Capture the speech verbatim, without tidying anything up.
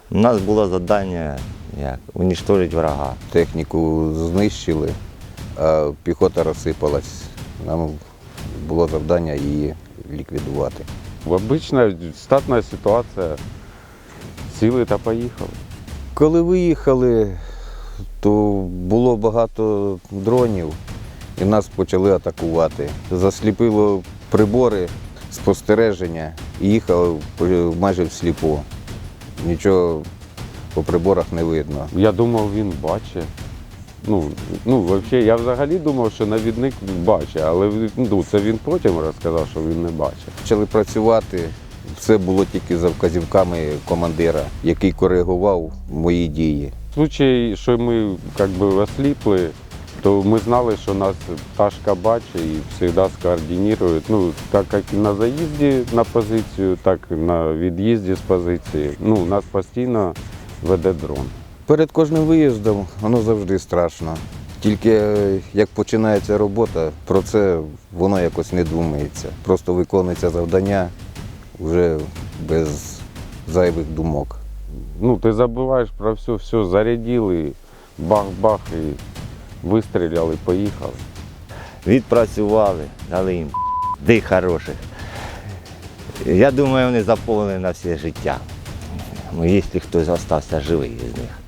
У нас було завдання як уничтожити врага. Техніку знищили, а піхота розсипалась. Нам було завдання її ліквідувати. Обична штатна ситуація. Сіли та поїхали. Коли виїхали, то було багато дронів і нас почали атакувати. Засліпило прибори спостереження і їхали майже всліпу. Нічого по приборах не видно. Я думав, він бачить. Ну, ну, взагалі, я взагалі думав, що навідник бачить, але ну, це він потім розказав, що він не бачить. Почали працювати, все було тільки за вказівками командира, який коригував мої дії. В случаї, що ми як би, осліпли, то ми знали, що нас пташка бачить і завжди скоординує. Ну, так як і на заїзді на позицію, так і на від'їзді з позиції. Ну, нас постійно веде дрон. Перед кожним виїздом воно завжди страшно. Тільки е, як починається робота, про це воно якось не думається. Просто виконується завдання вже без зайвих думок. Ну, ти забуваєш про все, все, зарядили, бах-бах і вистріляли, поїхали. Відпрацювали, дали їм дих хороших. Я думаю, вони заповнені на все життя. Ну, якщо хтось залишився живий з них.